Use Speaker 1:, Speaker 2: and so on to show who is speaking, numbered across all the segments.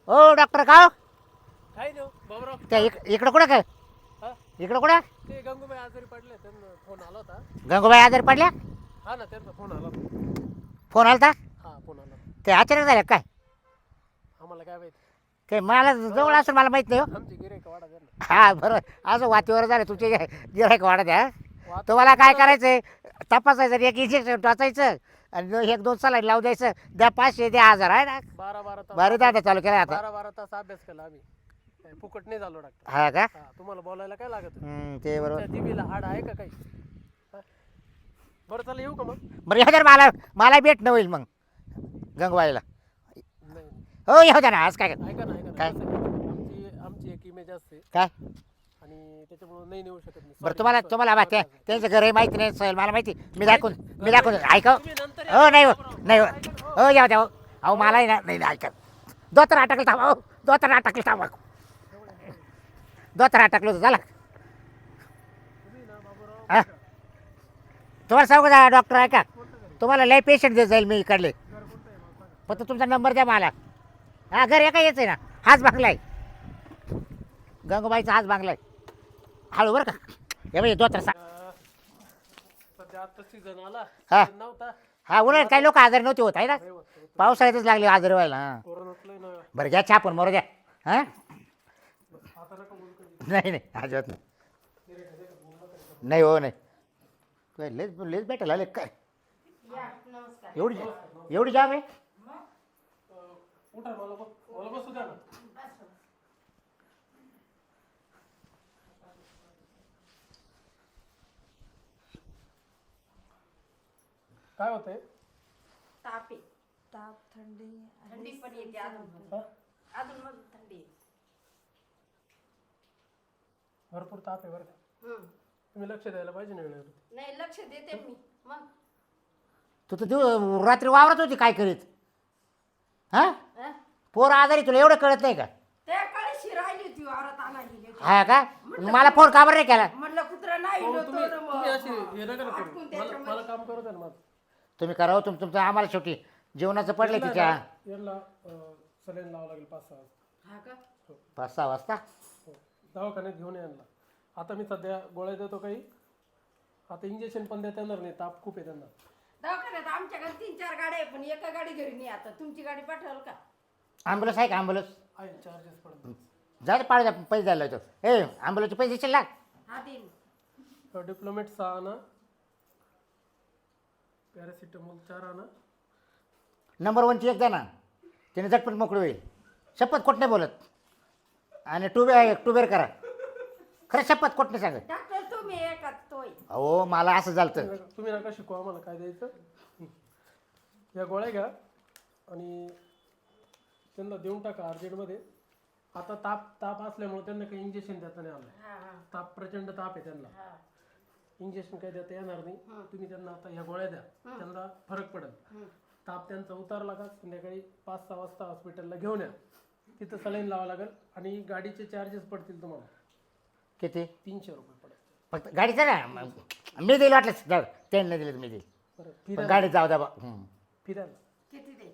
Speaker 1: ओ doctor का हो?
Speaker 2: काय नाही बाबराव.
Speaker 1: त्या इकडं कुठं काय
Speaker 2: हा
Speaker 1: इकडं कुठं
Speaker 2: ते गंगूबाई आजारी पडले त्यांना फोन आला होता.
Speaker 1: गंगूबाई आजारी पडल्या
Speaker 2: हा ना त्यांचा फोन आला होता.
Speaker 1: फोन आलता
Speaker 2: हा फोन आला होता.
Speaker 1: ते अचानक झालं काय
Speaker 2: आम्हाला काय माहिती.
Speaker 1: ते मला जवळ असून मला माहित नाही हो
Speaker 2: आमची गिऱ्हाईक वाढा द्या ना.
Speaker 1: हा बरोबर असं वातीवर झालं तुमचे गिरायक वाढत द्या
Speaker 2: वाद-
Speaker 1: तुम्हाला काय करायचंय तपासायचं एक इंजेक्शन टाचायचं आणि एक 2 सलाईन लावून द्यायचं द्या 500 द्या 1000 आहे ना
Speaker 2: 12 तास
Speaker 1: भारी दादा चालू केला आता
Speaker 2: 12 तास अभ्यास केला आम्ही. काय फुकट नाही झालो डॉक्टर.
Speaker 1: हा का
Speaker 2: हा तुम्हाला बोलायला काय लागत.
Speaker 1: ते बरोबर
Speaker 2: तुमच्या जिभेला हाड आहे का काही. हा? बरं चला येऊ का मग.
Speaker 1: बरं येऊ द्या ना मला भेटणं होईल मग गंगूबाईला
Speaker 2: नाही नाही.
Speaker 1: हो येऊ द्या ना आज काय
Speaker 2: ऐका ना ऐका ना
Speaker 1: काय?
Speaker 2: कसं आहे, आमची एक इमेज असते
Speaker 1: काय
Speaker 2: आणि त्याच्यामुळे नाही नेऊ शकत मी.
Speaker 1: बरं
Speaker 2: Sorry,
Speaker 1: तुम्हाला
Speaker 2: sorry.
Speaker 1: तुम्हाला बा
Speaker 2: sorry.
Speaker 1: त्यांचं घरही माहिती नाही सहल मला माहिती मी दाखवून ऐका
Speaker 2: तुम्ही नंतर या.
Speaker 1: हो नाही हो
Speaker 2: बरोबर.
Speaker 1: नाही हो
Speaker 2: ऐका ना,
Speaker 1: हो येऊ द्या हो अहो मलाही ना नाही ऐका दोतर अटकलं थांबा हो दोतर अटकलं थांबा दोतर अटकलं होतं झालं
Speaker 2: तुम्ही ना बाबूराव
Speaker 1: हा तुम्हाला सांगू का डॉक्टर आहे का तुम्हाला लय पेशंट देत जाईल मी इकडले
Speaker 2: घर कोणतं आहे मला सांगा.
Speaker 1: फक्त तुमचा नंबर द्या मला हा घर एका यायचं आहे ना हाच बांगला आहे गंगूबाईचा हाच बांगला आहे हळू बरं का हे बाई दोतर सा
Speaker 2: सध्या आता सीझन आला.
Speaker 1: हा.
Speaker 2: season नव्हता.
Speaker 1: हा उन्हाळ्यात काही लोक आजारी नव्हते होत आहे ना
Speaker 2: नाही होत, होत.
Speaker 1: पावसाळ्यातच लागले आजारी व्हायला हा
Speaker 2: कोरोनातलं ना.
Speaker 1: बरं घ्या छापून मरू द्या हां
Speaker 2: आता नका बोलू कधी.
Speaker 1: नाही नाही अजिबात नाही नाही हो नाही काय लेच लेच भेटायला आले काय एवढी एवढी जाम आहे
Speaker 2: उठा मला बसू द्या ना. काय होतंय.
Speaker 3: ताप आहे. ताप थंडी पण येते अजून
Speaker 2: हा?
Speaker 3: अजून मग थंडी आहे.
Speaker 2: भरपूर ताप आहे बरं का. तुम्ही लक्ष द्यायला पाहिजे ना वेळेवर.
Speaker 3: नाही लक्ष देते मी मग
Speaker 1: तू तर रात्री वावरत होती काय करीत हां
Speaker 3: हं?
Speaker 1: पोर आजारी तुला एवढं कळत नाही का
Speaker 3: त्या काळीशी राहिली होती वावरात आणायची
Speaker 1: हा का मला फोन का बरं नाही केला
Speaker 3: म्हटलं कुत्रा नाही
Speaker 2: हो,
Speaker 3: इलो
Speaker 2: तुम्ही
Speaker 3: तर
Speaker 2: तुम्ही अशी हे नका ना
Speaker 3: अटकून
Speaker 2: करू. मला
Speaker 3: त्याच्यामध्ये.
Speaker 2: मला काम करू द्या ना माझं.
Speaker 1: तुम्ही करावं तुमचं आम्हाला शेवटी जेवणाचं पडलं तिच्या
Speaker 2: यांना सलाईन लावावं लागेल 5-6 वाजता.
Speaker 3: हा का
Speaker 1: 5-6 वाजता
Speaker 2: हो. दवाखान्यात घेऊन यांना. आता मी सध्या गोळ्या देतो काही. आता इंजेक्शन पण देता येणार नाही ताप खूप आहे त्यांना.
Speaker 3: दवाखान्यात आमच्याकडे 3-4 गाड्या आहे पण एका गाडी घरी नाही आता तुमची गाडी पाठवाल का
Speaker 1: ॲम्ब्युलन्स आहे का ॲम्ब्युलन्स
Speaker 2: आहे चार्जेस पडतात.
Speaker 1: जा पाळू द्या पैसे द्यायला होतो ए ॲम्ब्युलन्सचे पैसे देशील ना
Speaker 3: हा देईन
Speaker 2: डिप्लोमेट 6 आणा. पॅरासिटामॉल 4 आणा.
Speaker 1: नंबर 1ची एक द्या ना त्याने झटपट मोकळी होईल शपथ कोट नाही बोलत आणि टूबेर करा खरं शपथ कोट नाही सांगत
Speaker 3: डॉक्टर तुम्ही एका तोय
Speaker 1: अहो मला असं झालं
Speaker 2: तुम्ही नका शिकू आम्हाला काय द्यायचं. या गोळ्या घ्या आणि त्यांना देऊन टाका अर्जंटमध्ये. आता ताप असल्यामुळे त्यांना काही इंजेक्शन देता नाही आलं.
Speaker 3: हा हा
Speaker 2: ताप प्रचंड ताप आहे त्यांना.
Speaker 3: हा
Speaker 2: इंजेक्शन काही देता येणार नाही. तुम्ही त्यांना आता ह्या गोळ्या द्या. त्यांना फरक पडेल. ताप त्यांचा उतारला का संध्याकाळी 5-6 वाजता हॉस्पिटलला घेऊन या. तिथं सलाईन लावावं लागेल आणि गाडीचे चार्जेस पडतील तुम्हाला
Speaker 1: किती
Speaker 2: 300 रुपये पडेल.
Speaker 1: फक्त गाडीचं ना मी देईल वाटलं जाऊ त्यांनी नाही दिलं मी देईल
Speaker 2: बरं
Speaker 1: पण
Speaker 2: फिरायला
Speaker 1: गाडी जाऊ द्या बा
Speaker 2: फिरायला
Speaker 3: किती द्यायची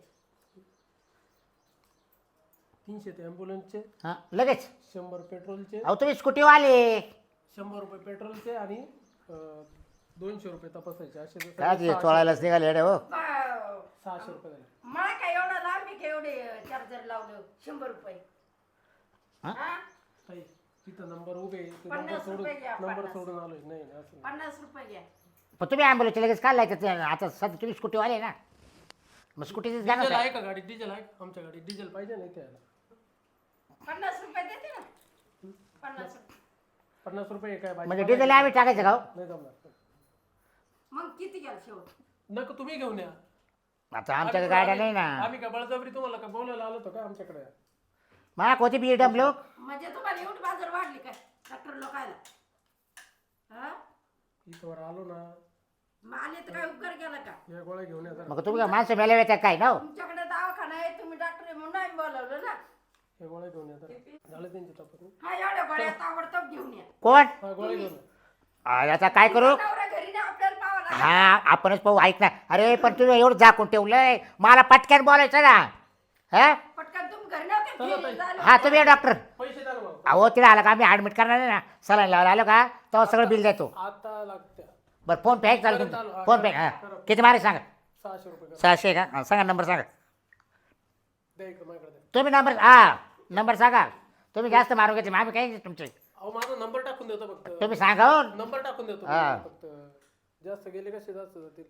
Speaker 2: 300 ते ॲम्ब्युलन्सचे.
Speaker 1: हां लगेच
Speaker 2: 100 पेट्रोलचे.
Speaker 1: अहो तुम्ही स्कूटीवाले
Speaker 2: 100 रुपये पेट्रोलचे आणि 200 रुपये तपासायचे. असे जर
Speaker 1: काय
Speaker 2: सगळे
Speaker 1: ते चोळायलाच निघाले अरे हो
Speaker 2: 600 रुपये झाले.
Speaker 3: मला काय एवढा लांब आहे का एवढे चार्जर लावलं 100 रुपये
Speaker 1: हा?
Speaker 3: हा
Speaker 2: ताई, तिथं नंबर उभे आहे. ते
Speaker 3: 50 रुपये घ्या,
Speaker 2: नंबर
Speaker 3: 50.
Speaker 2: सोडून आलोय. नाही नाही, असं नाही.
Speaker 3: 50 रुपये घ्या
Speaker 1: पण तुम्ही ॲम्ब्युलन्सचे लगेच काय लायचं आता सध्या तुम्ही स्कूटीवाले ना मग स्कूटीच
Speaker 2: डिझेल
Speaker 1: जाणार
Speaker 2: आहे का गाडी? डिझेल आहे आमच्या गाडी. डिझेल पाहिजे नाही त्याला.
Speaker 3: 50 रुपये देते ना 50 रुपये
Speaker 2: 50 रुपये काय भाजी
Speaker 1: म्हणजे डिझेल आम्ही टाकायचं का हो?
Speaker 2: नाही जमणार.
Speaker 3: मग किती घ्याल शेवट
Speaker 2: नको तुम्ही घेऊन या.
Speaker 1: आता आमच्या गाड्या नाही ना
Speaker 2: आम्ही का बळजबरी तुम्हाला का बोलायला आलो होतो का आमच्याकडे.
Speaker 1: माक होती BMW
Speaker 3: म्हणजे तुम्हाला एवढी बाजार वाढली काय डॉक्टर लोकायला हा
Speaker 2: इथं वर आलो ना.
Speaker 3: मग आले तर काय उपकार केला का
Speaker 2: या गोळ्या घेऊन या जरा.
Speaker 1: मग तुम्ही काय माणसं मेल्या येतात काय ना हो?
Speaker 3: तुमच्याकडे दवाखाना आहे तुम्ही डॉक्टर आहे म्हणून आम्ही बोलावलं ना
Speaker 2: या गोळ्या घेऊन या जरा. झालं त्यांची तपासणी.
Speaker 3: हा एवढ्या गोळ्या ताबडतोब घेऊन या
Speaker 1: कोण
Speaker 2: हा गोळ्या घेऊन या.
Speaker 1: आता काय करू
Speaker 3: नवरा घरी नाही आपल्याला पाहावं लागेल
Speaker 1: हा आपणच पाहू ऐक ना अरे पण तुम्ही एवढं झाकून ठेवलंय मला पटक्यान बोलायचं ना हा
Speaker 3: पटकन तुम्ही घरी नव्हते
Speaker 2: चला ताई.
Speaker 1: हा तुम्ही या डॉक्टर.
Speaker 2: पैसे द्या ना मला.
Speaker 1: अहो तिला आला का आम्ही ॲडमिट करणार आहे ना सलाईन लावायला आलो का तेव्हा सगळं बिल देतो.
Speaker 2: आता लागत्या
Speaker 1: बरं फोन पे आहे का चालेल
Speaker 2: परत आलो.
Speaker 1: तुमचं
Speaker 2: हा,
Speaker 1: फोन पे
Speaker 2: करा,
Speaker 1: हां
Speaker 2: करा.
Speaker 1: किती मारे सांगा.
Speaker 2: 600 रुपये करा.
Speaker 1: 600 का हां, सांगा नंबर सांगा.
Speaker 2: द्या इकडे माझ्याकडे द्या.
Speaker 1: तुम्ही नंबर हा नंबर सांगा. तुम्ही जास्त मारून घेतले मग आम्ही काही तुमचे
Speaker 2: अहो माझा नंबर टाकून देतो फक्त.
Speaker 1: तुम्ही सांगा हो.
Speaker 2: नंबर टाकून देतो
Speaker 1: हा.
Speaker 2: फक्त. जास्त गेले कसे जास्त जातील.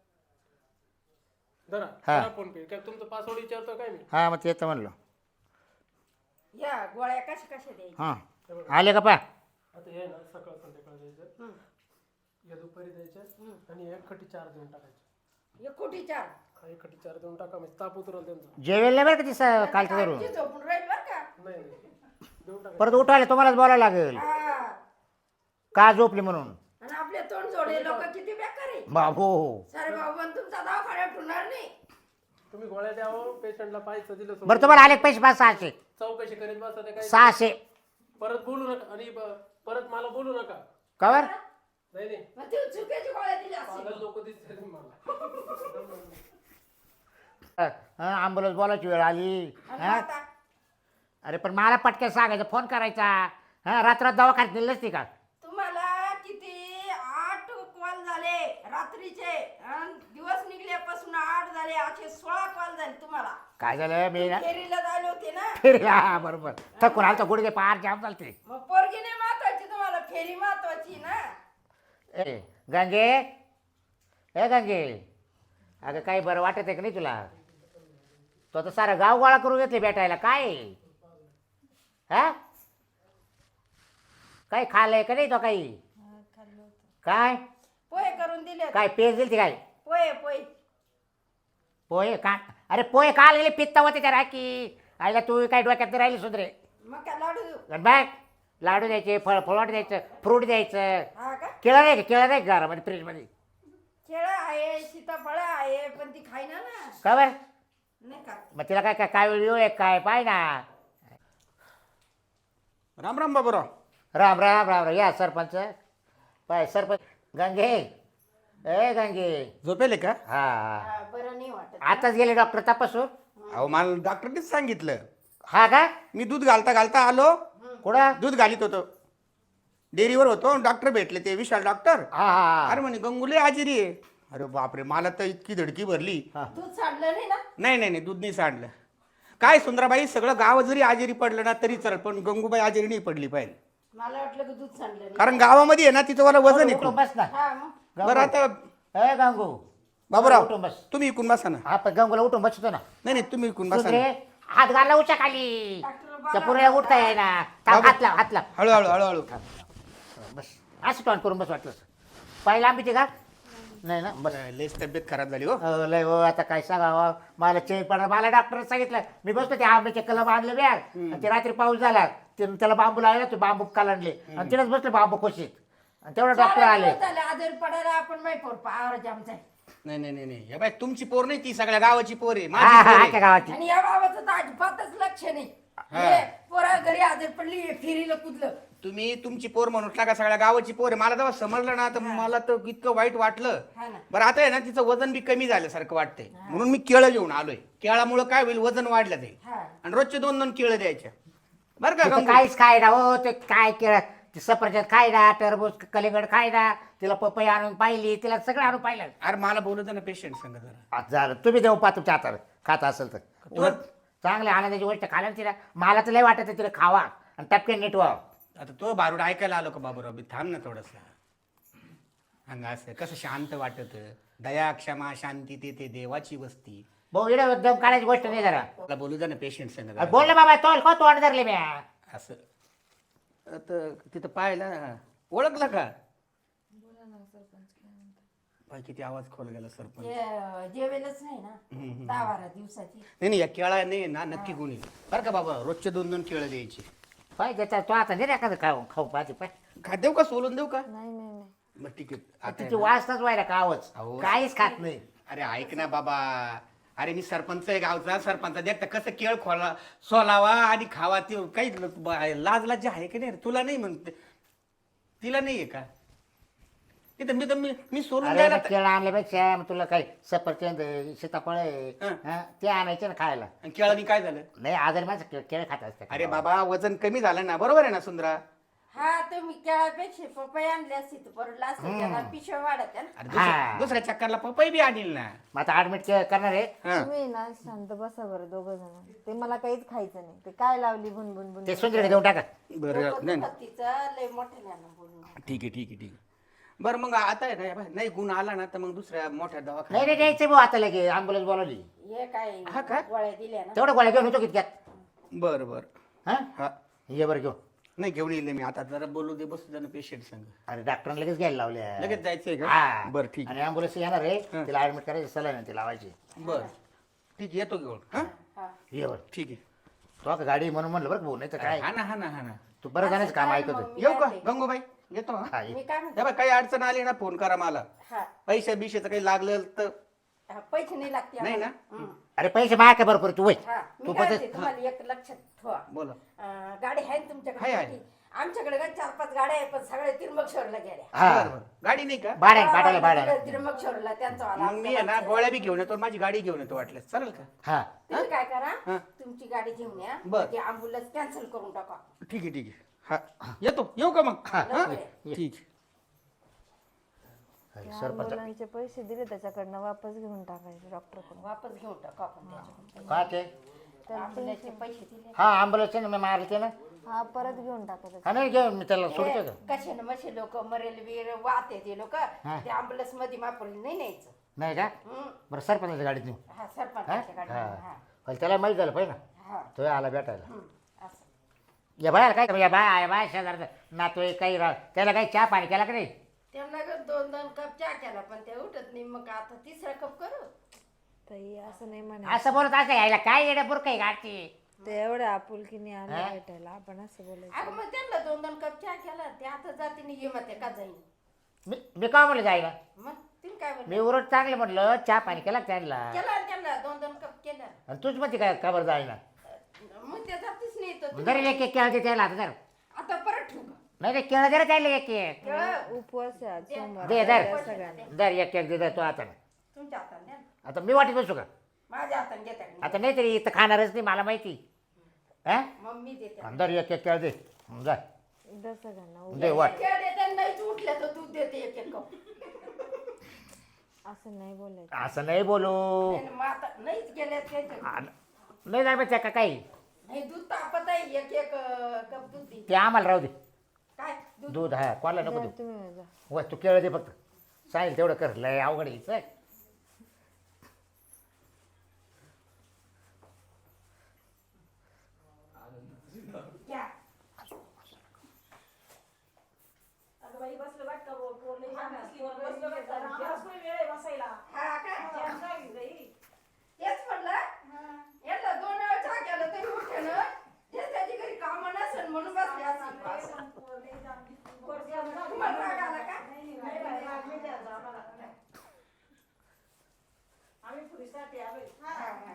Speaker 2: धरा
Speaker 1: हा.
Speaker 2: करा फोन पे. काय तुमचं पासवर्ड विचारतो काय मी.
Speaker 1: हां मग तेच तर म्हणलो.
Speaker 3: या गोळ्या कशा कशा द्यायच्या
Speaker 1: हां आले का पा.
Speaker 2: आता हे ना सकाळ संध्याकाळ द्यायचं. या दुपारी द्यायच्या आणि एक खटी 4 देऊन टाकायचे.
Speaker 3: एक कोटी चार.
Speaker 2: एक खटी 4 देऊन टाका म्हणजे ताप उतरल त्यांचा.
Speaker 1: जेवेल नाही बरं का ती कालचं धरून.
Speaker 3: आजी झोपून राहील बरं का.
Speaker 2: नाही देऊन टाका.
Speaker 1: परत उठवायला तुम्हालाच बोलावं लागेल
Speaker 3: हा.
Speaker 1: का झोपली म्हणून.
Speaker 3: आणि आपले तोंड जोडे लोक किती बेकार आहे.
Speaker 1: बाबू
Speaker 3: सारे बाबा पण तुमचा दवाखान्यात ठेवणार नाही.
Speaker 2: तुम्ही गोळ्या द्यावं पेशंटला पाहायचं दिलं सोडून.
Speaker 1: बरं तुम्हाला आले का पैसे 500
Speaker 2: चौकशी करीत बसा ते काय
Speaker 1: 600
Speaker 2: परत बोलू नका आणि परत मला बोलू नका.
Speaker 1: कवर.
Speaker 2: नाही नाही
Speaker 3: मग ते चुकीची गोळ्या दिली असतील.
Speaker 2: पागल लोक दिसते मला.
Speaker 1: ॲम्ब्युलन्स बोलायची वेळ आली.
Speaker 3: आणि
Speaker 1: हां
Speaker 3: आता
Speaker 1: अरे पण मला पटकन सांगायचं फोन करायचा. हां रात्रात दवाखान्यात नेलं नसती का.
Speaker 3: तुम्हाला किती 8 कॉल झाले रात्रीचे आणि दिवस निघल्यापासून 8 झाले असे 16 कॉल झाले तुम्हाला.
Speaker 1: काय झालं मी ना
Speaker 3: फेरीला जायला होते ना.
Speaker 1: फेरी हा बरोबर थकून आलतो गुडघे पार जाम चालते.
Speaker 3: मग पोरगी नाही महत्वाची तुम्हाला फेरी महत्वाची ना.
Speaker 1: ए गंगे ए गंगे अगं काही बरं वाटत आहे का नाही तुला. तो आता सारा गाव गोळा करून घेतले भेटायला काय हा काही खाल्लंय का नाही तो काही काय
Speaker 3: पोहे करून दिले होते.
Speaker 1: काय पेज दिली काय
Speaker 3: पोहे पोहे.
Speaker 1: पोहे का अरे पोहे का गेले पित्ता होते त्या राखी आईला तू काय डोक्यात नाही राहिली सुधरे.
Speaker 3: मग काय लाडू देऊ.
Speaker 1: बॅग लाडू द्यायचे फळवट द्यायचं फ्रूट द्यायचं.
Speaker 3: हा का.
Speaker 1: केळं नाही का केळं नाही का घरामध्ये फ्रीजमध्ये
Speaker 3: केळं आहे सीताफळ आहे पण ती खाईना ना.
Speaker 1: का बरं
Speaker 3: नाही का.
Speaker 1: मग तिला काय काय काय वेळ आहे काय पाय ना.
Speaker 4: राम राम बाबूराव.
Speaker 1: राम राम राम राम या सरपंच पाय सरपंच गंगे ए गंगे
Speaker 4: झोपेले का?
Speaker 1: हा
Speaker 3: हा, बरं नाही वाटत.
Speaker 1: आताच गेले डॉक्टर तपासून.
Speaker 4: अहो मला डॉक्टरनेच सांगितलं.
Speaker 1: हा का
Speaker 4: मी दूध घालता घालता आलो.
Speaker 1: कुठं
Speaker 4: दूध घालीत होतो डेअरीवर होतो. डॉक्टर भेटले ते विशाल डॉक्टर.
Speaker 1: हा हा
Speaker 4: अरे म्हणे गंगुले आजिरी आहे. अरे बापरे मला तर इतकी धडकी भरली.
Speaker 3: दूध सांडलं नाही ना.
Speaker 4: नाही नाही नाही दूध नाही सांडलं. काय सुंदराबाई सगळं गाव जरी आजारी पडलं ना तरी चल पण गंगूबाई आजारी नाही पडली पाहिजे.
Speaker 3: मला वाटलं की दूध सांडलं नाही.
Speaker 4: कारण गावामध्ये आहे ना तिचं मला वजन आहे
Speaker 1: उठून
Speaker 4: खूप.
Speaker 1: बस ना
Speaker 3: हा मग.
Speaker 4: बरं आता
Speaker 1: ए गंगू
Speaker 4: बाबूराव
Speaker 1: उठून बस.
Speaker 4: तुम्ही इकून बसा ना.
Speaker 1: हा पण गंगूला उठून बसतो ना.
Speaker 4: नाही नाही तुम्ही इकून बसा
Speaker 1: सुधरे
Speaker 4: ना.
Speaker 1: हात घालला उच्या खाली
Speaker 3: डॉक्टर
Speaker 1: त्या पुऱ्या उठता येई ना हात लाव हात लाव
Speaker 4: हळूहळू हळूहळू.
Speaker 1: बस असं टॉन करून बस वाटलं पाहिलं आंबीची का नाही ना बस.
Speaker 4: लयच तब्येत खराब झाली हो.
Speaker 1: लय हो आता काय सांगावं मला चेन पडणार मला डॉक्टरने सांगितलं मी बसतो ते आंब्याचे कलम आणले बॅग आणि ते रात्री पाऊस झाला त्याला बांबू लावला ते बांबू कालणले आणि तिथेच बसले बांबू खोशीत आणि तेवढं डॉक्टर आले.
Speaker 3: झाले आजारी पडायला आपण माहिती पोर पावर जामचा.
Speaker 4: नाही नाही नाही नाही हे बाई तुमची पोर नाही ती सगळ्या गावाची पोर आहे
Speaker 1: हा
Speaker 4: माझी
Speaker 1: हा
Speaker 4: पोर आहे.
Speaker 1: आख्या गावाची
Speaker 3: आणि या बाबाचं तर अजिबातच लक्ष नाही. हे पोरा घरी आजारी पडली फेरीला कुदलं.
Speaker 4: तुम्ही तुमची पोर म्हणून टाका सगळ्या गावाची पोर आहे. मला जेव्हा समजलं ना तर मला तर इतकं वाईट वाटलं.
Speaker 3: हा ना.
Speaker 4: बरं आता आहे ना तिचं वजन बी कमी झाल्यासारखं वाटतंय म्हणून मी केळं घेऊन आलोय. केळामुळे काय होईल वजन वाढलं ते
Speaker 3: हा.
Speaker 4: आणि रोजचे 2-2 केळं द्यायच्या बरं का
Speaker 1: तिथं
Speaker 4: गंगू?
Speaker 1: काहीच खाय ना हो ते काय केलं ते सफरचंद खाय ना टरबूज कलिंगड खाय ना तिला पपई आणून पाहिली तिला सगळं आणून पाहिलं.
Speaker 4: अरे मला बोलू दे ना पेशंट संग जरा.
Speaker 1: आज झालं तुम्ही देऊ पा तुमच्या हातावर खाता असेल तर उलट चांगल्या आनंदाची गोष्ट खायला ना तिला मला तर लय वाटत तिला खावा आणि टपके नीट व्हावं.
Speaker 4: आता तो बारूड ऐकायला आलो का बाबूराव बी थांब ना थोडस. अंग असं कसं शांत वाटत. दया क्षमा शांती ते देवाची वस्ती.
Speaker 1: भाऊ इकडे दम काढायची गोष्ट नाही जरा.
Speaker 4: मला बोलू दे ना पेशंट संग
Speaker 1: अरे
Speaker 4: जरा.
Speaker 1: बोल ना बाबा तोल को तोंड धरले मी.
Speaker 4: असं आता तिथं पाहिलं ओळखलं का? बाई किती आवाज खोल गेला सरपंच.
Speaker 3: हे जेवेलच नाही ना 10-12 दिवसाची.
Speaker 4: नाही नाही या केळा नाही ना नक्की गुणी बरं का बाबा रोजचे 2-2 केळं द्यायची.
Speaker 1: पाय त्याचा तो आता नाही रे एखादं खाऊ खाऊ पाहते पाय
Speaker 4: खा देऊ का सोलून देऊ का?
Speaker 5: नाही नाही नाही
Speaker 4: मग ठीक आहे आता
Speaker 1: तिची
Speaker 4: आहे ना.
Speaker 1: वाजताच व्हायला का आवाज
Speaker 4: अहो.
Speaker 1: काहीच खात नाही.
Speaker 4: अरे ऐक ना बाबा. अरे मी सरपंच आहे गावचा. सरपंच देखता कसं केळ खोला सोलावा आणि खावा ते काही लाज लाज आहे की नाही रे? तुला नाही म्हणते तिला नाहीये का? तिथं मी सोडून
Speaker 1: अरे
Speaker 4: द्यायला
Speaker 1: मग केळं आणल्यापेक्षा मग तुला काही सफरचंद आहे, सीताफळ आहे,
Speaker 4: हं.
Speaker 1: हं, ते आणायचे ना खायला.
Speaker 4: आणि केळानी काय झालं?
Speaker 1: नाही आजारी माणसं केळं खात असते.
Speaker 4: अरे बाबा वजन कमी झालं ना, बरोबर आहे ना सुंदरा?
Speaker 3: हा तुम्ही केळापेक्षा पपई आणली असती तर परवडला असतं त्याला पिशव्या वाढत आहे ना.
Speaker 4: अरे
Speaker 1: हा.
Speaker 4: दुसऱ्या चक्करला पपई बी आणील ना.
Speaker 1: मग आता ऍडमिट करणार आहे.
Speaker 4: हा.
Speaker 5: तुम्ही ना शांत बसा बरं दोघं जण. ते मला काहीच खायचं नाही. ते काय लावली बुनबुन
Speaker 1: ते सुंदरीकडे देऊन टाका.
Speaker 4: बरं
Speaker 3: डोकं
Speaker 4: नाही
Speaker 3: दुखत तिचं लय मोठ्यानं बोलून.
Speaker 4: ठीक आहे बरं मग आता आहे ना, नाही गुण आला ना तर मग दुसऱ्या मोठ्या
Speaker 1: नाही
Speaker 4: दवाखान्यात.
Speaker 1: नाही द्यायचं भाऊ आता लगे ॲम्ब्युलन्स बोलावली.
Speaker 3: हे काय
Speaker 4: हा का?
Speaker 3: गोळ्या दिल्या ना.
Speaker 1: तेवढं गोळ्या घेऊन होतो कितक्यात.
Speaker 4: बरं
Speaker 1: हा
Speaker 4: हा
Speaker 1: ये बरं घेऊन.
Speaker 4: नाही घेऊन येईल मी आता, जरा बोलू दे, बसू दे ना पेशंट संग.
Speaker 1: अरे डॉक्टरने लगेच घ्यायला लावल्या.
Speaker 4: लगेच जायचंय का?
Speaker 1: हा
Speaker 4: बरं ठीक
Speaker 1: आणि ॲम्ब्युलन्स येणार आहे.
Speaker 4: हं.
Speaker 1: तिला ऍडमिट करायचं, सलाईन ती लावायची.
Speaker 4: बरं ठीक येतो घेऊन. हा
Speaker 3: हा.
Speaker 1: ये बरं.
Speaker 4: ठीक आहे.
Speaker 1: तो आता गाडी म्हणून म्हणलं बरं भाऊ, नाही तर काय.
Speaker 4: हा ना
Speaker 1: तू बरं जाण्याचं काम
Speaker 3: काय
Speaker 1: ऐकत
Speaker 3: मग
Speaker 1: होते.
Speaker 3: मी
Speaker 4: येऊ का
Speaker 3: काय ते?
Speaker 4: गंगूबाई? येतो हा.
Speaker 1: हा ये.
Speaker 3: मी काय म्हणते
Speaker 4: हे बघ, काही अडचण आली ना फोन करा मला.
Speaker 3: हा
Speaker 4: पैसे बिशेचं काही लागलं तर.
Speaker 3: हा, पैसे नाही लागते
Speaker 4: नाही
Speaker 3: आम्हाला.
Speaker 4: ना?
Speaker 3: हं.
Speaker 1: अरे पैसे माग का भरपूर तू वय.
Speaker 3: हा
Speaker 1: तू
Speaker 3: मी काय
Speaker 1: पण
Speaker 3: म्हणते, तुम्हाला एक लक्षात ठेवा.
Speaker 4: बोला.
Speaker 3: गाडी आहे ना तुमच्याकडे?
Speaker 4: आहे.
Speaker 3: मोठी? आमच्याकडे काय 4-5 गाड्या आहे पण सगळे त्रिंबकेश्वरला गेल्या.
Speaker 1: हा
Speaker 4: बरं. गाडी नाही का?
Speaker 1: भाड्या
Speaker 3: त्रिंबकेश्वरला त्यांचा वाला
Speaker 4: मग मी आहे ना गोळ्या बी घेऊन येतो, माझी गाडी घेऊन येतो वाटल्यास, चालेल का?
Speaker 1: हा
Speaker 3: तुम्ही काय करा
Speaker 4: हा.
Speaker 3: तुमची गाडी घेऊन या
Speaker 4: बरं.
Speaker 3: ती अँब्युलन्स कॅन्सल करून टाका.
Speaker 4: ठीक आहे हा येतो. येऊ का मग? हा
Speaker 3: लवकर ये.
Speaker 4: ठीक आहे.
Speaker 1: सरपंच
Speaker 5: मुलांचे पैसे दिले त्याच्याकडनं वापस घेऊन टाकायचे डॉक्टरकडून.
Speaker 3: वापस घेऊन टाका आपण त्याच्याकडून.
Speaker 1: काय ते.
Speaker 3: अँब्युलन्सचे पैसे दिले.
Speaker 1: हा ॲम्ब्युलन्स ना मी मारले ते ना.
Speaker 5: हा परत घेऊन टाकायचं.
Speaker 1: हा नाही घेऊन मी त्याला सोडतो का.
Speaker 3: कसे ना मसे लोक मरेल बीर वाहते ते लोक
Speaker 1: हा.
Speaker 3: ते अँब्युलन्स मध्ये मापरली नाही न्यायचं.
Speaker 1: नाही का.
Speaker 3: हं.
Speaker 1: बरं सरपंचाच्या गाडीत नेऊ.
Speaker 3: हा
Speaker 1: हा
Speaker 3: सरपंचाच्या गाडी
Speaker 1: हा पण त्याला माहीत झालं पाहिजे ना.
Speaker 3: हा
Speaker 1: तो आला भेटायला.
Speaker 3: हं. असं
Speaker 1: या बाय काय या बाय शेजार नातोय काही त्याला काही चहा पाणी केला का नाही.
Speaker 3: त्यांना 2-2 कप चहा केला पण ते उठत नाही. मग आता 3रा कप करू.
Speaker 5: ताई असं नाही म्हणा.
Speaker 1: असं बोलत असं यायला काय येड्या बुरक आहे गाडची.
Speaker 5: ते एवढ्या आपुलकीने आले
Speaker 1: हा?
Speaker 5: भेटायला आपण असं बोलायचं.
Speaker 3: अगं मग त्यांना 2-2 कप चहा केला ते आता जातीने ये मग ते का जाईन.
Speaker 1: मी का म्हणलं जायला.
Speaker 3: मग तुम्ही काय
Speaker 1: मी
Speaker 3: म्हणले
Speaker 1: उरट चांगले म्हटलं चहा पाणी केला का त्यांना.
Speaker 3: केला त्यांना 2-2 कप केला.
Speaker 1: आणि तूच म्हणते काय का बरं जायला.
Speaker 3: मग ते जातीच नाही तर तुम्ही-
Speaker 1: जरी एक केळं दे त्याला आता जर.
Speaker 3: आता परत ठेवू का?
Speaker 1: नाही ते केळं जरा त्याला एक
Speaker 3: केळं
Speaker 5: उपवास आहे आज सोमवार.
Speaker 1: दे दर
Speaker 5: द्या सगळ्यांना.
Speaker 1: दर एक दे तो आता.
Speaker 3: तुमच्या हाताने द्या ना.
Speaker 1: आता मी वाटत बसू का.
Speaker 3: माझ्या हाताने घेता का नाही?
Speaker 1: आता नाही तरी इथं खाणारच नाही मला माहिती. हा
Speaker 3: मग मी देते.
Speaker 1: दर एक केळं दे जा
Speaker 5: द्या सगळ्यांना.
Speaker 1: दे वाट.
Speaker 3: केळं देते नाहीच उठल्या तर दूध देते एक कप.
Speaker 5: असं नाही बोलायचं.
Speaker 1: असं नाही बोलू.
Speaker 3: नाही, मग आता नाहीच गेल्या त्याच्या
Speaker 1: नाही जाय त्या का काही.
Speaker 3: नाही दूध तापत आहे एक कप दूध दे.
Speaker 1: ते आम्हाला राहू दे.
Speaker 3: काय दूध
Speaker 1: दूध हा कोणाला नको
Speaker 5: द्या
Speaker 1: देऊ.
Speaker 5: तुम्ही जा.
Speaker 1: व तू केळं दे फक्त. सांगेल तेवढं कर लय अवघड आहे चल.
Speaker 3: घ्या. अगं बाई बसलं वाट का पोरले बसलं वाट का? हा का? तेच म्हणलं याला 2 वेळा चहा केला तरी उठे ना. जे त्याची घरी कामं नसेल म्हणून बसले असतील. तुम्हाला राग आला का? हा, हा.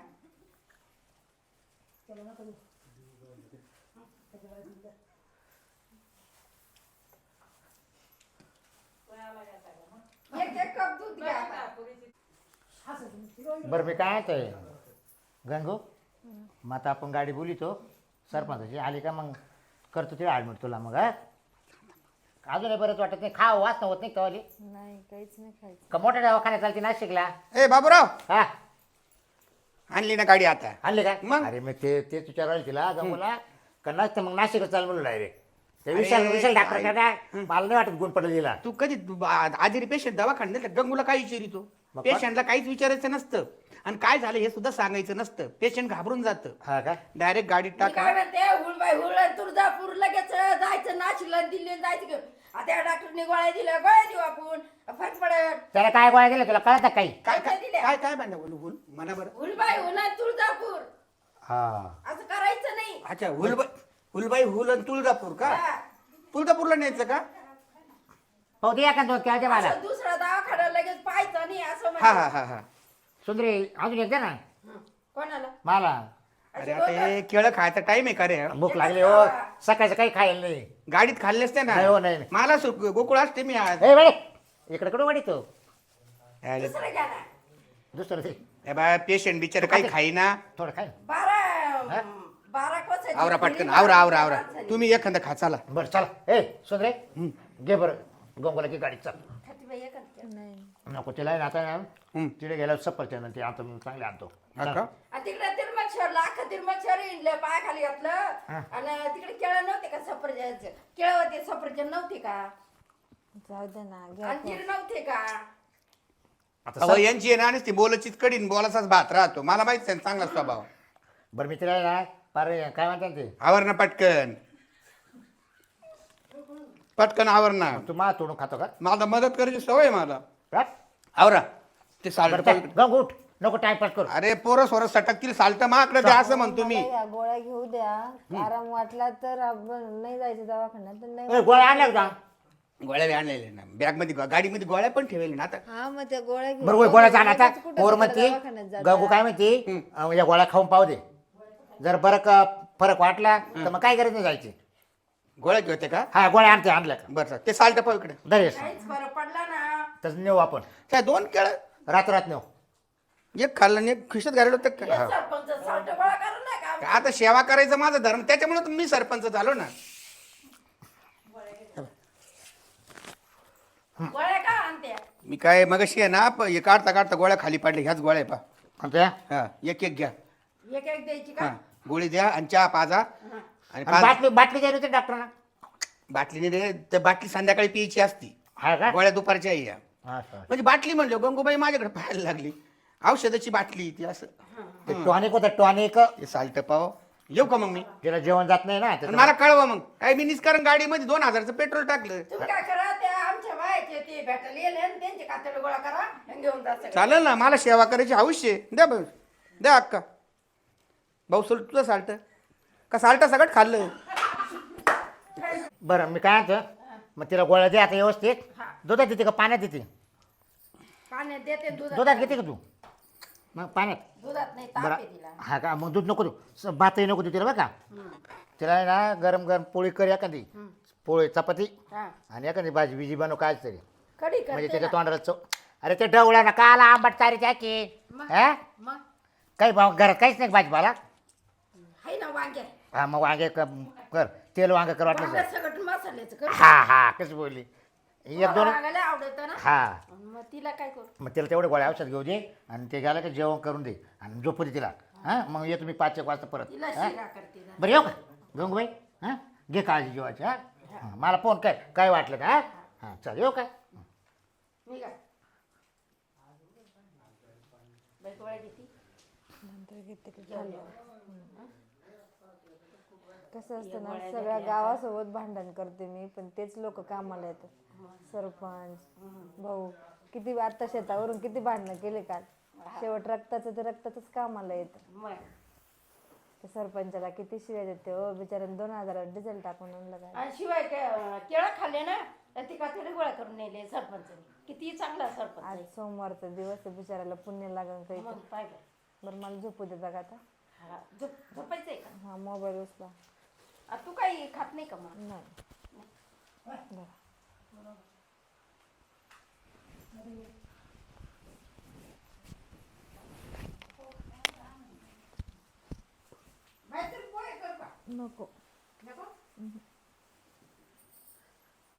Speaker 3: एक कप दूध घ्या आता.
Speaker 1: बरं मी काय आहे गंगू मग आता आपण गाडी बोलितो सरपंचाची आली का मग करतो तिला ॲडमिट तुला मग हा अजूनही बरंच वाटत नाही खाव वाचणं होत नाही कवाली
Speaker 5: नाही काहीच नाही खायचं.
Speaker 1: का मोठ्या दवाखान्यात चालते नाशिकला.
Speaker 4: ए बाबूराव,
Speaker 1: हा
Speaker 4: आणली ना गाडी आता?
Speaker 1: आणले काय
Speaker 4: मग?
Speaker 1: अरे मग ते विचारायला तिला गंगूला का नसतं मग नाशिकच चाल म्हणलं डायरेक्ट. ते
Speaker 4: अरे,
Speaker 1: विशाल डॉक्टर मला नाही वाटत गुण पडलं तिला.
Speaker 4: तू कधी आजारी पेशंट दवाखान्यात नेलं, गंगूला काय विचारितो?
Speaker 1: मग
Speaker 4: पेशंटला काहीच विचारायचं नसतं आणि काय झालं हे सुद्धा सांगायचं नसतं. पेशंट घाबरून जातं.
Speaker 1: हा का
Speaker 4: डायरेक्ट गाडीत
Speaker 3: मी
Speaker 4: टाका.
Speaker 3: काय म्हणते हुळबाई हुळ तुळजापूर लगेच जायचं नाशिकला दिल्ली जायचं घेऊन. आता या डॉक्टरने गोळ्या दिल्या गोळ्या देऊ आपण फरक पडत.
Speaker 1: त्याला काय गोळ्या दिल्या तुला कळत काही.
Speaker 4: काय
Speaker 3: काय दिल्या?
Speaker 4: काय काय म्हणणं बोलू म्हणा बरं.
Speaker 3: हुळबाई हुळ तुळजापूर
Speaker 1: हा
Speaker 3: असं करायचं नाही.
Speaker 4: अच्छा हुलबाई हुल आणि तुळजापूर का?
Speaker 3: हा.
Speaker 4: तुळजापूरला न्यायचं का?
Speaker 1: पाहू दे एका दोन केळं दे मला.
Speaker 3: असं दुसरा दवाखाना लगेच पाहायचं नाही असं
Speaker 4: हा
Speaker 3: म्हणजे.
Speaker 4: हा हा हा.
Speaker 1: सुंदरी अजून एक दे ना
Speaker 3: हं. कोणाला
Speaker 1: मला.
Speaker 4: अरे आता हे केळं खायचा टाइम आहे का रे?
Speaker 1: भूक लागली हो सकाळचं काही खायला नाही.
Speaker 4: गाडीत खाल्ले असते ना.
Speaker 1: नाही हो, नाही, नाही.
Speaker 4: मला गोकुळ असते मी आज.
Speaker 1: ए बाई इकडे कडे वाढी तो
Speaker 4: यायला-
Speaker 3: दुसरं घ्या ना.
Speaker 1: दुसरं ते
Speaker 4: ए बा पेशंट बिचार काही खाईना.
Speaker 1: थोडं काय
Speaker 3: 12 कोसाची
Speaker 4: आवरा
Speaker 3: खिरी
Speaker 4: पटकन,
Speaker 3: मारून
Speaker 4: आवरा
Speaker 3: माणसाने.
Speaker 4: तुम्ही एखादं खा चला.
Speaker 1: बरं चला ए सुंदरे घे बरं गंगोला की गाडी चल
Speaker 3: खातीबाई एक आणते.
Speaker 5: नाही
Speaker 1: नको तिला आहे ना आता तिथे गेल्यावर सफरचंद ते आता मी चांगले आणतो
Speaker 4: हा का?
Speaker 3: आणि तिकडे तिरमक्षरला अख्खा तिरमक्षर इंडलं पायाखाली घातलं आणि तिकडे केळं नव्हते का सफरचंद केळं होते सफरचंद नव्हते का
Speaker 5: जाऊ दे ना घ्या
Speaker 3: अंजीर नव्हते का
Speaker 1: आता
Speaker 4: अहो यांची आहे ना नुसती बोलाचीच कडीन बोलाचाच भात राहतो. मला माहित आहे चांगला स्वभाव.
Speaker 1: बरं मी तिला आहे ना पार काय म्हणतात ते
Speaker 4: आवर ना पटकन पटकन आवर ना.
Speaker 1: तू मा तोडून खातो का
Speaker 4: मला मदत करायची सवय मला.
Speaker 1: हा?
Speaker 4: आवरा ते
Speaker 1: बरं
Speaker 4: साल्ट.
Speaker 1: चल, गंग उठ नको टाइमपास करू
Speaker 4: अरे पोरं सोरं सटकतील साल्ट माकडे द्या असं म्हणतो मी.
Speaker 5: मला या गोळ्या घेऊ द्या आराम वाटला तर आपण नाही जायचं दवाखान्यात तर नाही
Speaker 1: ए, गोळ्या आणल्या का
Speaker 4: गोळ्या बी आणलेल्या ना बॅग मध्ये गाडीमध्ये गोळ्या पण ठेवले ना आता.
Speaker 5: हा मग त्या गोळ्या घेऊ
Speaker 1: बरोबर गोळ्या जाणार आता
Speaker 5: कुठं
Speaker 1: पोर
Speaker 5: तिकडं
Speaker 1: म्हणते
Speaker 5: दवाखान्यात जाता.
Speaker 1: गंगू काय म्हणते या गोळ्या खाऊन पाहू दे जर बरं फरक वाटला तर मग काय गरज नाही जायची
Speaker 4: गोळ्या घेते का?
Speaker 1: हा गोळ्या आणते आणल्या का
Speaker 4: बरं ते साल्ट पाहू इकडे.
Speaker 1: दरेस
Speaker 3: काहीच फरक पडला ना
Speaker 1: तसं नेऊ आपण
Speaker 4: काय 2 केळ
Speaker 1: रातोरात नेऊ
Speaker 4: एक खाल्लं आणि एक खिशात घालवलं होतं
Speaker 3: हे
Speaker 4: का?
Speaker 3: सरपंच साल्ट गोळा करू नका
Speaker 4: आता सेवा करायचं माझा धर्म त्याच्यामुळे तर मी सरपंच झालो ना.
Speaker 3: गोळ्या का आणते
Speaker 4: मी काय मगाशी आहे ना हे काढता काढता गोळ्या खाली पाडल्या ह्याच गोळ्या आहे पा.
Speaker 1: कोणत्या
Speaker 4: हा एक एक घ्या.
Speaker 3: एक एक द्यायची
Speaker 4: हा
Speaker 3: का
Speaker 4: गोळी द्या आणि चहा पाजा आणि
Speaker 1: आणि
Speaker 4: पाच
Speaker 1: बाटली बाटली द्यायला होती डॉक्टरना
Speaker 4: बाटलीने दे तर बाटली संध्याकाळी प्यायची असती.
Speaker 1: हा का
Speaker 4: गोळ्या दुपारच्या या
Speaker 1: हा, सर.
Speaker 4: म्हणजे बाटली म्हणलो गंगूबाई माझ्याकडे पाहायला लागली औषधाची बाटली ती असं.
Speaker 1: ते टॉनिक होतं टॉनिक
Speaker 4: हे साल्ट पाव येऊ का मग मी
Speaker 1: तिला जेवण जात नाही ना
Speaker 4: आणि
Speaker 1: त्याचं-
Speaker 4: मला कळवा मग काय मी निष्कारण गाडीमध्ये 2000चं पेट्रोल टाकलं.
Speaker 3: तुम्ही काय करा त्या आमच्या बायाचे ते भेटायला येले आणि त्यांचे खात्याला गोळा करा आणि घेऊन जा सगळं.
Speaker 4: चालेल ना मला सेवा करायची हौस आहे. द्या भाऊ द्या अक्का भाऊ सोड तुझं साल्ट का साल्ट सगळं खाल्लं.
Speaker 1: बरं मी काय म्हणतो मग तिला गोळ्या दे आता व्यवस्थित दुधात देते का पाण्यात देते
Speaker 3: पाण्यात देते
Speaker 1: दुधात घेते का तू मग पाण्यात
Speaker 3: दुधात नाही ताप
Speaker 1: बरं
Speaker 3: आहे तिला
Speaker 1: हा का मग दूध नको देऊ भातही नको देऊ तिला बरं का तिला आहे ना गरम गरम पोळी कर एखादी पोळी चपाती
Speaker 3: हा
Speaker 1: आणि एखादी भाजी बिजी बनव काय तरी
Speaker 3: कढी
Speaker 1: म्हणजे
Speaker 3: करते
Speaker 1: त्याच्या
Speaker 3: ना.
Speaker 1: तोंडाला चव अरे ते डवळा ना काला आंबट चारी की
Speaker 3: मग?
Speaker 1: हा
Speaker 3: मग
Speaker 1: काही घरात काहीच नाही भाजीपाला
Speaker 3: हाय ना वांगे
Speaker 1: हा मग वांगे कर तेल वांगे कर वाटलं
Speaker 3: वांगे
Speaker 1: तर.
Speaker 3: सगळं मसाल्याचं कर
Speaker 1: हा हा कसं बोलली एक दोन
Speaker 3: वांगाला आवडत ना
Speaker 1: हा
Speaker 3: मग तिला काय करू
Speaker 1: मग तिला तेवढे गोळ्या औषध घेऊ दे आणि ते गेलं की जेवण करून दे आणि झोपू दे तिला हां मग येतो मी 5 एक वाजता परत
Speaker 3: तिला
Speaker 1: हां?
Speaker 3: शिरा करते ना.
Speaker 1: बरं येऊ का गंगूबाई हां घे काळजी जेवायची हां मला फोन कर काय वाटलं का हां चल येऊ काय
Speaker 3: मी काय बाई गोळ्या घेते
Speaker 5: नंतर घेते की झालं. कसं असतं ना सगळ्या गावासोबत भांडण करते मी पण तेच लोक कामाला येतात सरपंच भाऊ किती आता शेतावरून किती भांडणं केले काल शेवट रक्ताचं ते रक्तातच कामाला येतं
Speaker 3: मग
Speaker 5: त्या सरपंचाला किती शिवाय देते हो बिचाऱ्याने 2000 डिझेल टाकून आणलं काय
Speaker 3: आणि शिवाय केळं खाल्ले ना तर ती कातडी गोळा करून नेले सरपंचाने किती चांगला सरपंच
Speaker 5: आज
Speaker 3: आहे.
Speaker 5: सोमवारचा दिवस आहे बिचाऱ्याला पुण्य लागन काही
Speaker 3: मग पाहिलं
Speaker 5: बरं मला झोपू देता का आता
Speaker 3: हा झोपायचंय का
Speaker 5: हा मोबाईल उचला
Speaker 3: तू काही खात नाही का मग
Speaker 5: नाही बरं
Speaker 3: बाई, तू पोहे कर का
Speaker 5: नको
Speaker 3: नको